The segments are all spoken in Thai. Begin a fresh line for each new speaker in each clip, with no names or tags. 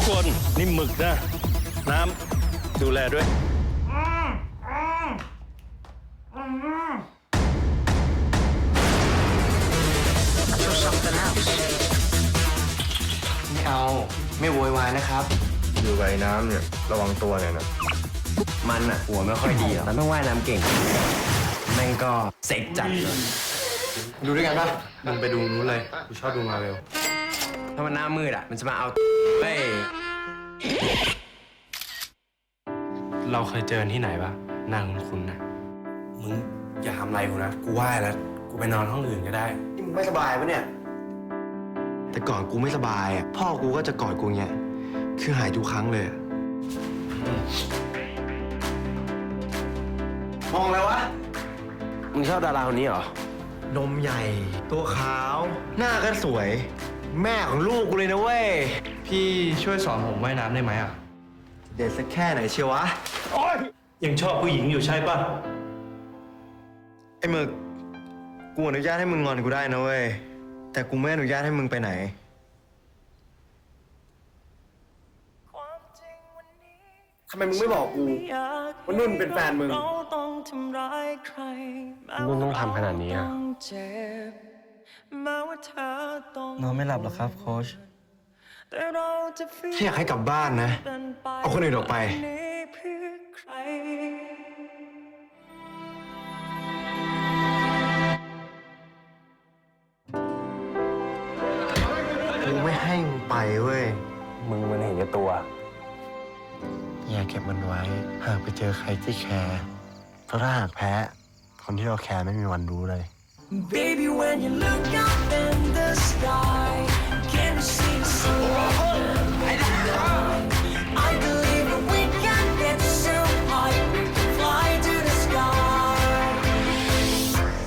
คนนี่หมึกนะ น้ำดูแลด้วย
ไม่เอาไม่โวยวายนะครับ
อยู่กับไอ้น้ำเนี่ยระวังตัวเนี่ยนะ
มันอะหัวไม่ค่อยดีหรอกมันต้องว่ายน้ำเก่งแม่งก็เซ็กจัดเลยดูด้วยกันปะ
มึงไปดูนู้นเลยกูชอบดูมาเวล
ถ้ามันหน้ามืดอะมันจะมาเอาเฮ้ย
เราเคยเจอที่ไหนปะหน้าคุ้นๆนะมึงอย่าทำอะไรกูนะกูไหว้แล้วกูไปนอนห้องอื่นก็ได้
นี่มึงไม่สบายปะเนี่ย
แต่ก่อนกูไม่สบายอ่ะพ่อกูก็จะกอดกูเงี้ยคือหายทุกครั้งเลยอะ
มองแล้ววะมึงชอบดาราคนนี้เหรอ
นมใหญ่ ตัวขาว หน้าก็สวย แม่ของลูกกูเลยนะเว้ย
พี่ช่วยสอนผมว่ายน้ำได้ไหมอ่ะ
เด็ดสักแค่ไหนเชียววะ
ยังชอบผู้หญิงอยู่ใช่ปะ
ไอ้หมึกกูอนุญาตให้มึงงอนกูได้นะเว้ยแต่กูไม่อนุญาตให้มึงไปไหน
ทำไมมึงไม่บอกกูว่านุ่นเป็นแฟนมึง
นุ่นต้องทำขนาดนี้อะ
นอนไม่หลับหรอครับโค้ชที่อยากให้กลับบ้านนะ เอาคนอื่นออกไป กูไม่ให้มึงไปเว้ย
มึงมันเห็นแก่ตัว
อย่าเก็บมันไว้ หากไปเจอใครที่แคร์เพราะถ้าหากแพ้ คนที่เราแคร์ไม่มีวันรู้เลย
Baby, when you look up in the sky, can you see the sun? I believe that we can get so high, we can fly to the sky.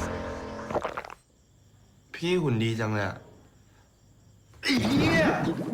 พี่หุ่นดีจังเลยอะไอ้เหี้ย